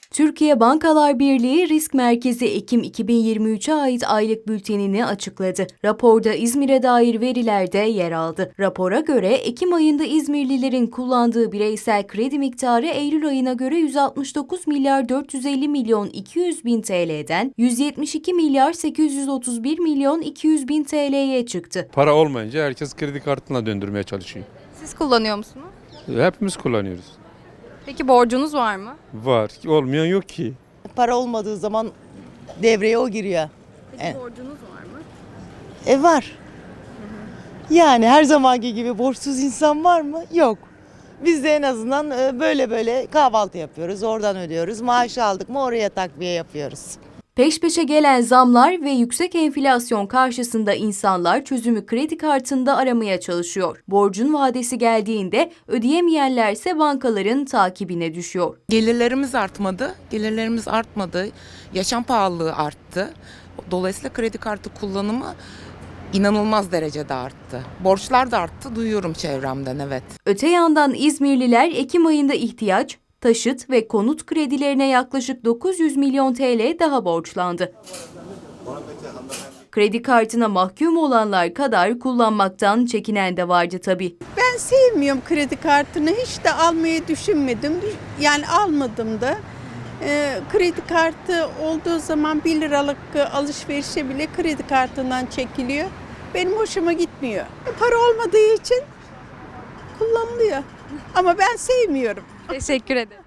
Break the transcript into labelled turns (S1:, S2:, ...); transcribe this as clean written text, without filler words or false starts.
S1: Türkiye Bankalar Birliği Risk Merkezi Ekim 2023'e ait aylık bültenini açıkladı. Raporda İzmir'e dair veriler de yer aldı. Rapora göre Ekim ayında İzmirlilerin kullandığı bireysel kredi miktarı Eylül ayına göre 169 milyar 450 milyon 200 bin TL'den 172 milyar 831 milyon 200 bin TL'ye çıktı.
S2: Para olmayınca herkes kredi kartına döndürmeye çalışıyor.
S3: Siz kullanıyor musunuz?
S2: Hepimiz kullanıyoruz.
S3: Peki borcunuz var mı?
S2: Var. Olmayan yok ki.
S4: Para olmadığı zaman devreye o giriyor.
S3: Peki borcunuz var mı?
S4: Var. Yani her zamanki gibi borçsuz insan var mı? Yok. Biz de en azından böyle kahvaltı yapıyoruz. Oradan ödüyoruz. Maaş aldık mı oraya takviye yapıyoruz.
S1: Peş peşe gelen zamlar ve yüksek enflasyon karşısında insanlar çözümü kredi kartında aramaya çalışıyor. Borcun vadesi geldiğinde ödeyemeyenlerse bankaların takibine düşüyor.
S5: Gelirlerimiz artmadı. Gelirlerimiz artmadı. Yaşam pahalılığı arttı. Dolayısıyla kredi kartı kullanımı inanılmaz derecede arttı. Borçlar da arttı. Duyuyorum çevremden, evet.
S1: Öte yandan İzmirliler Ekim ayında ihtiyaç, taşıt ve konut kredilerine yaklaşık 900 milyon TL daha borçlandı. Kredi kartına mahkum olanlar kadar kullanmaktan çekinen de vardı tabii.
S6: Ben sevmiyorum kredi kartını. Hiç de almayı düşünmedim. Yani almadım da. Kredi kartı olduğu zaman 1 liralık alışverişe bile kredi kartından çekiliyor. Benim hoşuma gitmiyor. Para olmadığı için kullanılıyor. Ama ben sevmiyorum.
S3: Teşekkür ederim.